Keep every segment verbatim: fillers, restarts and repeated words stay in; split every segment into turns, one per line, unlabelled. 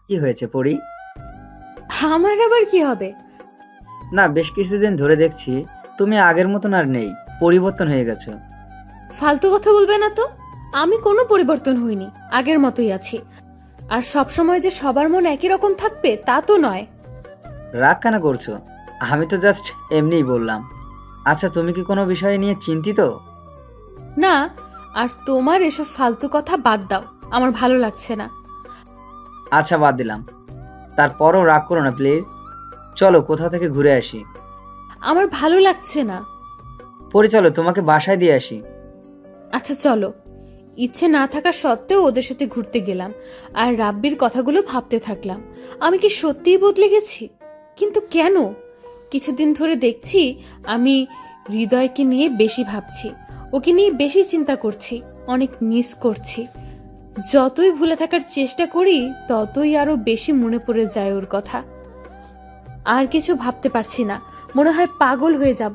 কি হয়েছে পরি?
আমার আবার কি হবে?
না, বেশ কিছুদিন ধরে দেখছি তুমি আগের মতন আর নেই, পরিবর্তন হয়ে গেছো।
ফালতু কথা বলবে না তো। আমি কোনো পরিবর্তন হইনি, আগের মতোই আছি। আর সব সময় যে সবার মন একই রকম থাকবে তা তো নয়।
রাগ কেন করছো? আমি তো জাস্ট এমনিই বললাম। আচ্ছা, তুমি কি কোনো বিষয় নিয়ে চিন্তিত?
না, আর তোমার এসব ফালতু কথা বাদ দাও, আমার ভালো লাগছে না।
আচ্ছা, বাদ দিলাম। তারপরও রাগ করো না প্লিজ। চলো কোথাও থেকে ঘুরে আসি।
আমার ভালো লাগছে না।
পরি চলো, তোমাকে বাসায় দিয়ে আসি।
আচ্ছা চলো। ইচ্ছে না থাকা সত্ত্বেও ওদের সাথে ঘুরতে গেলাম, আর রাব্বির কথাগুলো ভাবতে থাকলাম। আমি কি সত্যিই বদলে গেছি? কিন্তু কেন? কিছুদিন ধরে দেখছি আমি হৃদয়কে নিয়ে বেশি ভাবছি, ওকে নিয়ে বেশি চিন্তা করছি, অনেক মিস করছি। যতই ভুলে থাকার চেষ্টা করি ততই আরো বেশি মনে পড়ে যায় ওর কথা। আর কিছু ভাবতে পারছি না, মনে হয় পাগল হয়ে যাব।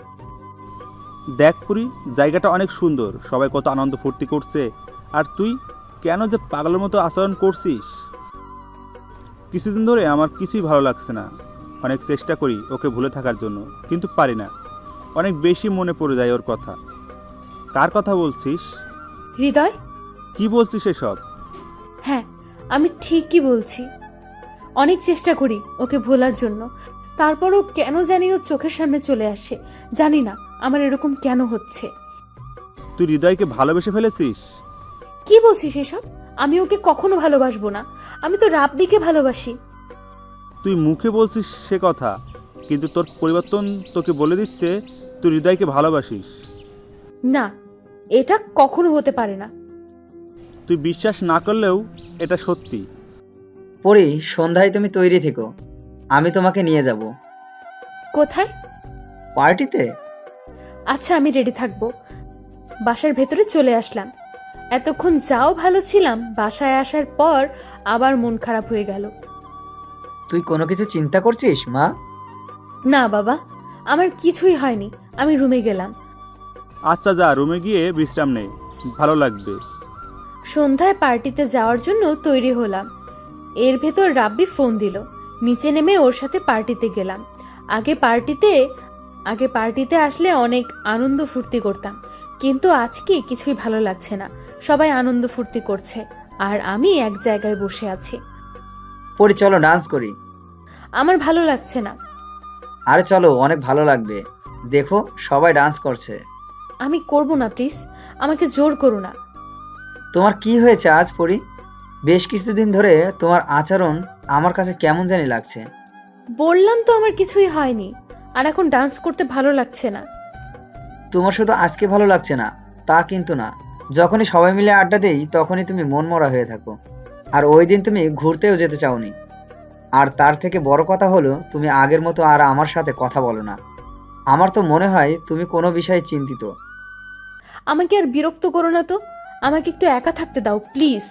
দেখ পুরি, জায়গাটা অনেক সুন্দর, সবাই কত আনন্দ ফুর্তি করছে, আর তুই কেন যে পাগলের মতো আচরণ করছিস? কিছুদিন ধরে আমার কিছুই ভালো লাগছে না। অনেক চেষ্টা করি ওকে ভুলে থাকার জন্য, কিন্তু পারি না। অনেক বেশি মনে পড়ে যায় ওর কথা। কার কথা বলছিস?
হৃদয়।
কি বলছিস এসব?
হ্যাঁ, আমি ঠিকই বলছি। অনেক চেষ্টা করি ওকে ভোলার জন্য, তারপরও কেন জানি ও চোখের সামনে চলে আসে। জানি না আমার এরকম কেন হচ্ছে।
তুই হৃদয়কে ভালোবেসে ফেলেছিস?
কি বলছিস এসব? আমি ওকে কখনো ভালোবাসবো না। আমি তো রাবড়িকে ভালোবাসি।
তুই মুখে বলছিস সে কথা, কিন্তু তোর পরিবর্তন তোকে বলে দিচ্ছে তুই হৃদয়কে ভালোবাসিস।
না, এটা কখনো হতে পারে না।
তুই বিশ্বাস না করলেও এটা সত্যি।
পরি, সন্ধ্যায় তুমি তৈরি থেকো, আমি তোমাকে নিয়ে যাব।
কোথায়?
পার্টিতে।
আচ্ছা, আমি রেডি থাকবো। বাসার ভেতরে চলে আসলাম। এতক্ষণ যাও ভালো ছিলাম, বাসায় আসার পর আবার মন খারাপ হয়ে গেল।
তুই কোনো কিছু চিন্তা করছিস মা?
না বাবা, আমার কিছুই হয়নি। আমি রুমে গেলাম।
আচ্ছা যা, রুমে গিয়ে বিশ্রাম নে, ভালো লাগবে।
সন্ধ্যায় পার্টিতে যাওয়ার জন্য তৈরি হলাম। এর ভেতর রাব্বি ফোন দিল। নিচে নেমে ওর সাথে পার্টিতে গেলাম। আগে পার্টিতে আগে পার্টিতে আসলে অনেক আনন্দ ফুর্তি করতাম, কিন্তু আজকে কিছুই ভালো লাগছে না। সবাই আনন্দ ফুর্তি করছে আর আমি এক জায়গায় বসে আছি।
পরি চলো ডান্স করি।
আমার ভালো লাগছে না।
আরে চলো, অনেক ভালো লাগবে। দেখো সবাই ডান্স করছে।
আমি করব না, প্লিজ। আমাকে জোর করো না।
তোমার কি হয়েছে আজ পরি? বেশ কিছুদিন ধরে তোমার আচরণ আমার কাছে কেমন জানি লাগছে।
বললাম তো আমার কিছুই হয়নি, আর এখন ডান্স করতে ভালো লাগছে না।
তোমার শুধু আজকে ভালো লাগছে না তা কিন্তু না। যখনই সবাই মিলে আড্ডা দেই তখনই তুমি মন মরা হয়ে থাকো। আর ওই দিন তুমি ঘুরতেও যেতে চাওনি। আর তার থেকে বড় কথা হলো, তুমি আগের মতো আর আমার সাথে কথা বলো না। আমার তো মনে হয় তুমি কোনো বিষয়ে চিন্তিত।
আমাকে আর বিরক্ত করো না তো। আমাকে একটু একা থাকতে দাও প্লিজ।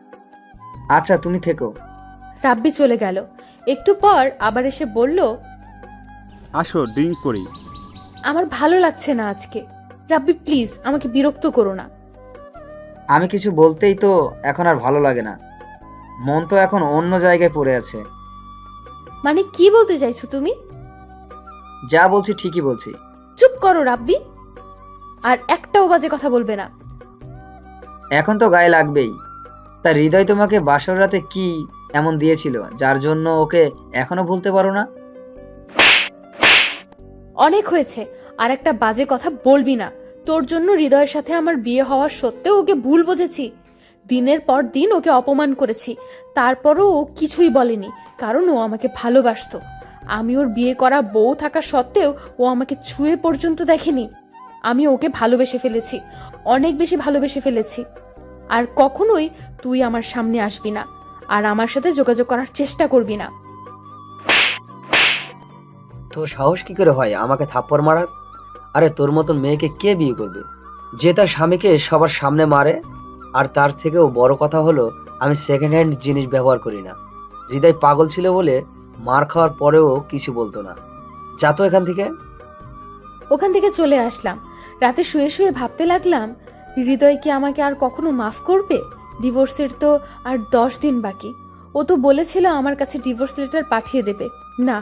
আচ্ছা, তুমি থেকো।
রাব্বি চলে গেল। একটু পর আবার এসে বলল,
আসো ড্রিঙ্ক করি।
আমার ভালো লাগছে না আজকে। রাব্বি প্লিজ, আমাকে বিরক্ত করো না।
আমি কিছু বলতেই তো এখন আর ভালো লাগে না। মন তো এখন অন্য জায়গায় পড়ে আছে।
মানে কি বলতে চাইছো তুমি?
যা বলছি ঠিকই বলছি।
চুপ করো রাব্বি, আর একটাও বাজে কথা বলবে না।
এখন তো গায়ে লাগবেই। তার হৃদয় তোমাকে বাসর রাতে কি এমন দিয়েছিল যার জন্য ওকে এখনো ভুলতে পারো না?
অনেক হয়েছে, আর একটা বাজে কথা বলবি না। তোর জন্য হৃদয়ের সাথে আমার বিয়ে হওয়া সত্ত্বেও ওকে ভুল বুঝেছি। দিনের পর দিন ওকে অপমান করেছি, তারপরও ও কিছুই বলেনি, কারণ ও আমাকে ভালোবাসতো। আমি ওর বিয়ে করা বউ থাকা সত্ত্বেও ও আমাকে ছুঁয়ে পর্যন্ত দেখেনি। আমি ওকে ভালোবেসে ফেলেছি, অনেক বেশি ভালোবেসে ফেলেছি। আর কখনোই তুই আমার সামনে আসবি না, আর আমার সাথে যোগাযোগ করার চেষ্টা করবি না।
তোর সাহস কি করে হয় আমাকে থাপ্পড় মারার? আরে তোর মতন মেয়েকে কে বিয়ে করবে, যে তার স্বামীকে সবার সামনে মারে? আর তার থেকেও বড় কথা হলো, আমি সেকেন্ড হ্যান্ড জিনিস ব্যবহার করি না। হৃদয় পাগল ছিল বলে মার খাওয়ার পরেও কিছু বলতো না। যা তো এখান থেকে।
ওখান থেকে চলে আসলাম। রাতে শুয়ে শুয়ে ভাবতে লাগলাম, হৃদয় কি আমাকে আর কখনো মাফ করবে? ডিভোর্সের তো আর দশ দিন বাকি। ও তো বলেছিল আমার কাছে ডিভোর্স লেটার পাঠিয়ে দেবে। না,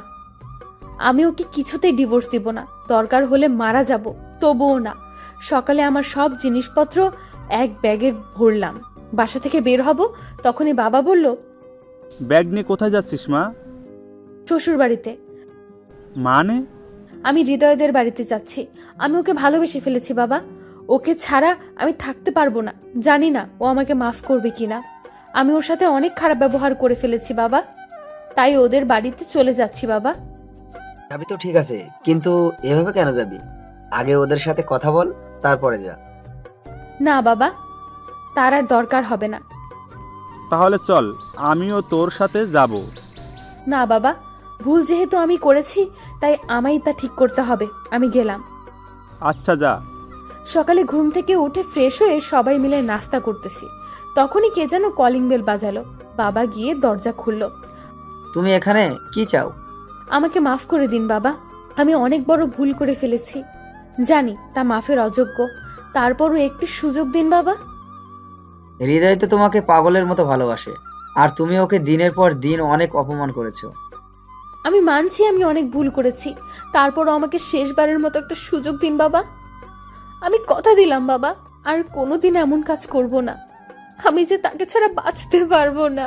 আমি ওকে কিছুতেই ডিভোর্স দিব না, দরকার হলে মারা যাব, তবুও না। সকালে আমার সব জিনিসপত্র এক ব্যাগে ভরলাম, বাসা থেকে বের হব, তখনই বাবা বলল,
ব্যাগ নিয়ে কোথায় যাচ্ছিস মা?
শ্বশুর বাড়িতে।
মানে?
আমি হৃদয়দের বাড়িতে যাচ্ছি। আমি ওকে ভালোবেসে ফেলেছি বাবা, ওকে ছাড়া আমি থাকতে পারবো না। জানি না ও আমাকে মাফ করবে কিনা। আমি ওর সাথে অনেক খারাপ ব্যবহার করে ফেলেছি বাবা, তাই ওদের বাড়িতে চলে যাচ্ছি বাবা।
যাবি তো ঠিক আছে, কিন্তু এভাবে কেন যাবি? আগে ওদের সাথে কথা বল, তারপরে যা।
না বাবা, তার আর দরকার হবে না।
তাহলে চল, আমিও তোর সাথে যাব।
না বাবা, ভুল যেহেতু আমি করেছি, তাই আমায় তা ঠিক করতে হবে। আমি গেলাম।
আচ্ছা যা।
সকালে ঘুম থেকে উঠে ফ্রেশ হয়ে সবাই মিলে নাস্তা করতেছি, তখনই কে যেন কলিং বেল বাজালো। বাবা গিয়ে দরজা খুলল।
তুমি এখানে কি চাও?
আমাকে মাফ করে দিন বাবা, আমি অনেক বড় ভুল করে ফেলেছি, জানি তা মাফের অযোগ্য, তারপরও একটি সুযোগ দিন বাবা।
হৃদয় তো তোমাকে পাগলের মতো ভালোবাসে, আর তুমি ওকে দিনের পর দিন অনেক অপমান করেছো।
আমি মানছি আমি অনেক ভুল করেছি, তারপরও আমাকে শেষবারের মতো একটা সুযোগ দিন বাবা। আমি কথা দিলাম বাবা, আর কোনোদিন এমন কাজ করব না। আমি যে তাকে ছাড়া বাঁচতে পারবো না।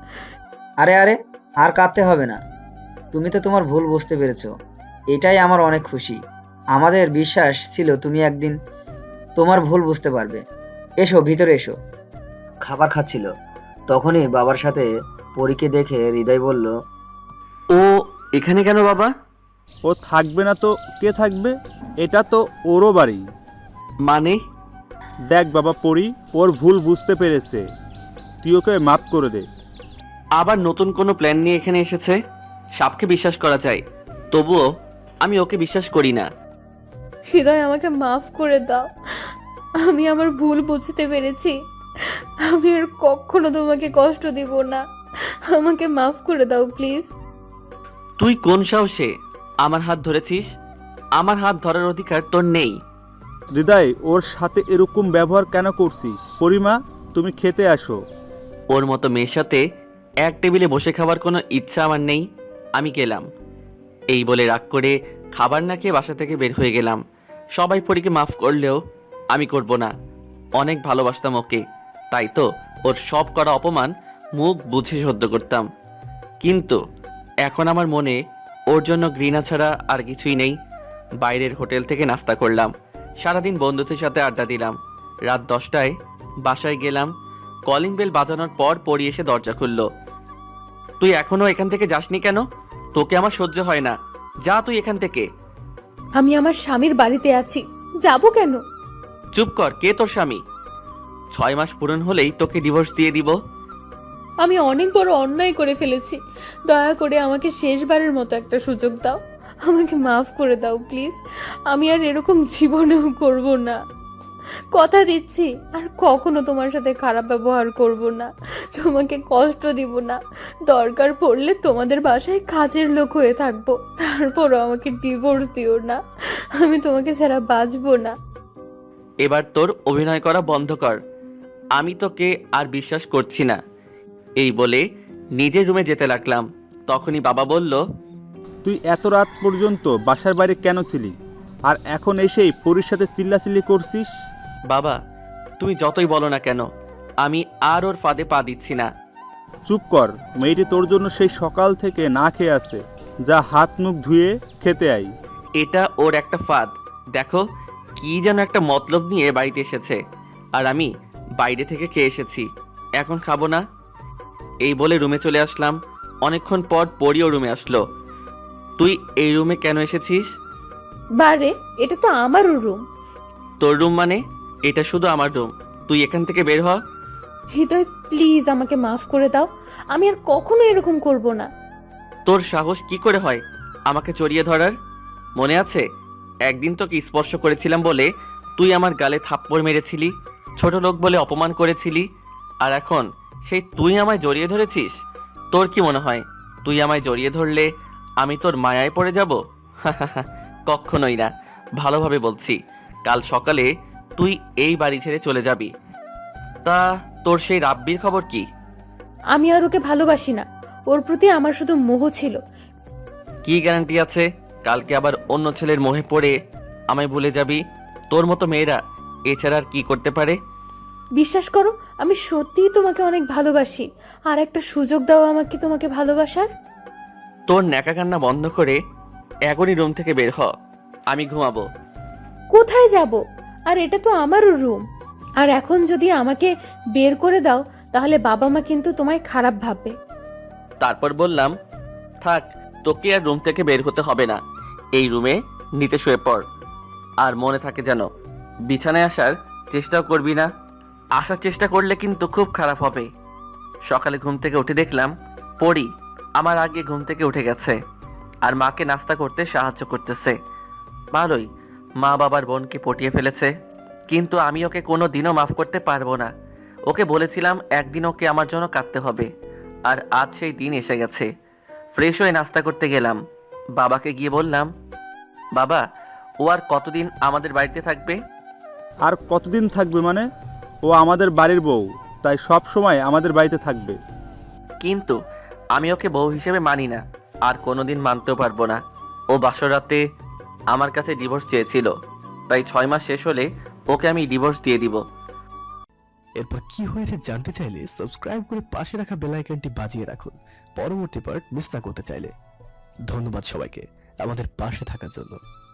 আরে আরে, আর কাঁদতে হবে না। তুমি তো তোমার ভুল বুঝতে পেরেছো, এটাই আমার অনেক খুশি। আমাদের বিশ্বাস ছিল তুমি একদিন তোমার ভুল বুঝতে পারবে। এসো ভিতরে এসো। খাবার খাচ্ছিল, তখনই বাবার সাথে পরীকে দেখে হৃদয় বলল,
ও এখানে কেন বাবা?
ও থাকবে না তো কে থাকবে? এটা তো ওরও বাড়ি।
মানে?
দেখ বাবা পরি, ওর ভুল বুঝতে পেরেছে, তুই ওকে মাফ করে দে।
আবার নতুন কোনো প্ল্যান নিয়ে এখানে এসেছে? সাপকে বিশ্বাস করা যায়, তবুও আমি ওকে বিশ্বাস করি না।
হৃদয়, আমাকে মাফ করে দাও। আমি আমার ভুল বুঝতে পেরেছি, আমি আর কখনো তোমাকে কষ্ট দিব না। আমাকে মাফ করে দাও প্লিজ।
তুই কোন সাহসে আমার হাত ধরেছিস? আমার হাত ধরার অধিকার তোর নেই।
হৃদয়, ওর সাথে এরকম ব্যবহার কেন করছিস? পরিমা, তুমি খেতে আসো।
ওর মতো মেয়ের সাথে এক টেবিলে বসে খাবার কোনো ইচ্ছা আমার নেই। আমি গেলাম। এই বলে রাগ করে খাবার না খেয়ে বাসা থেকে বের হয়ে গেলাম। সবাই পরীকে মাফ করলেও আমি করব না। অনেক ভালোবাসতাম ওকে, তাই তো ওর সব করা অপমান মুখ বুঝে সহ্য করতাম। কিন্তু এখন আমার মনে ওর জন্য ঘৃণা ছাড়া আর কিছুই নেই। বাইরের হোটেল থেকে নাস্তা করলাম, সারাদিন বন্ধুদের সাথে আড্ডা দিলাম। রাত দশটায় বাসায় গেলাম। কলিং বেল বাজানোর পর পরি এসে দরজা খুলল। তুই এখনো এখান থেকে যাসনি কেন? তোকে আমার সহ্য হয় না, যা তুই এখান থেকে।
আমি আমার স্বামীর বাড়িতে আছি, যাব কেন?
চুপ কর, কে তোর স্বামী? ছয় মাস পূরণ হলেই তোকে ডিভোর্স দিয়ে দিব।
আমি অনেক বড় অন্যায় করে ফেলেছি, দয়া করে আমাকে শেষবারের মতো একটা সুযোগ দাও। আমাকে মাফ করে দাও প্লিজ। আমি আর এরকম জীবনেও করব না, কথা দিচ্ছি। আর কখনো তোমার সাথে খারাপ ব্যবহার করব না, তোমাকে কষ্ট দিব না। দরকার পড়লে তোমাদের বাসায় কাজের লোক হয়ে থাকবো, তারপরও আমাকে ডিভোর্স দিও না। আমি তোমাকে ছাড়া বাঁচবো না।
এবার তোর অভিনয় করা বন্ধ কর, আমি তোকে আর বিশ্বাস করছি না। এই বলে নিজের রুমে যেতে লাগলাম। তখনই বাবা বলল,
তুই এত রাত পর্যন্ত বাসার বাইরে কেন ছিলি? আর এখন এসেই পরির সাথে চিল্লাচিল্লি করছিস?
বাবা তুমি যতই বলো না কেন, আমি আর ওর ফাঁদে পা দিচ্ছি না।
চুপ কর, মেয়েটি তোর জন্য সেই সকাল থেকে না খেয়ে আছে। যা হাত মুখ ধুয়ে খেতে আই।
এটা ওর একটা ফাঁদ। দেখো কি যেন একটা মতলব নিয়ে বাড়িতে এসেছে, আর আমি বাইরে থেকে খেয়ে এসেছি, এখন খাবো না। এই বলে রুমে চলে আসলাম। অনেকক্ষণ পর পরিও রুমে আসলো। তুই এই রুমে কেন এসেছিস?
বারে, এটা তো আমারও রুম।
তোর রুম মানে? এটা শুধু আমার রুম, তুই এখান থেকে বের হ।
হৃদয় প্লিজ আমাকে মাফ করে দাও, আমি আর কখনো এরকম করব না।
তোর সাহস কি করে হয় আমাকে জড়িয়ে ধরার? মনে আছে একদিন তোকে স্পর্শ করেছিলাম বলে তুই আমার গালে থাপ্পড় মেরেছিলি, ছোট লোক বলে অপমান করেছিলি, আর এখন সেই তুই আমায় জড়িয়ে ধরেছিস? তোর কি মনে হয় তুই আমায় জড়িয়ে ধরলে আমি তোর মায়ায় পড়ে যাব? কখনোই না। ভালোভাবে বলছি, কাল সকালে তুই এই বাড়ি ছেড়ে চলে যাবি। তা তোর সেই রাব্বির খবর কি?
আমি আর ওকে ভালোবাসি না। ওর প্রতি আমার শুধু মোহ ছিল।
কি গ্যারান্টি আছে কালকে আবার অন্য ছেলের মোহে পড়ে আমায় ভুলে যাবি? তোর মতো মেয়েরা এছাড়া আর কি করতে পারে?
বিশ্বাস করো, আমি সত্যিই তোমাকে অনেক ভালোবাসি। আর একটা সুযোগ দাও আমাকে তোমাকে ভালোবাসার।
তোর ন্যাকা কান্না বন্ধ করে এখনই রুম থেকে বের হ, আমি ঘুমাবো।
কোথায় যাব? আর এটা তো আমারও রুম। আর এখন যদি আমাকে বের করে দাও তাহলে বাবা মা কিন্তু তোমায় খারাপ ভাববে।
তারপর বললাম, থাক, তোকে আর রুম থেকে বের হতে হবে না। এই রুমে নিচে শুয়ে পড়। আর মনে থাকে যেন বিছানায় আসার চেষ্টাও করবি না। আসার চেষ্টা করলে কিন্তু খুব খারাপ হবে। সকালে ঘুম থেকে উঠে দেখলাম পড়ি আমার আগে ঘুম থেকে উঠে গেছে আর মাকে নাস্তা করতে সাহায্য করতেছে। ভালোই, মা বাবার বোনকে পটিয়ে ফেলেছে। কিন্তু আমি ওকে কোনো দিনও মাফ করতে পারবো না। ওকে বলেছিলাম একদিন ওকে আমার জন্য কাঁদতে হবে, আর আজ সেই দিন এসে গেছে। ফ্রেশ হয়ে নাস্তা করতে গেলাম। বাবাকে গিয়ে বললাম, বাবা, ও আর কতদিন আমাদের বাড়িতে থাকবে?
আর কতদিন থাকবে মানে? ও আমাদের বাড়ির বউ, তাই সব সময় আমাদের বাড়িতে থাকবে।
কিন্তু আমি ওকে বউ হিসেবে মানি না, আর কোনোদিন মানতেও পারবো না। ও বাসর রাতে আমার কাছে ডিভোর্স চেয়েছিল, তাই ছয় মাস শেষ হলে ওকে আমি ডিভোর্স দিয়ে দিব।
এরপর কি হয়েছে জানতে চাইলে সাবস্ক্রাইব করে পাশে রাখা বেল আইকনটি বাজিয়ে রাখুন পরবর্তী পার্ট মিস না করতে চাইলে। ধন্যবাদ সবাইকে আমাদের পাশে থাকার জন্য।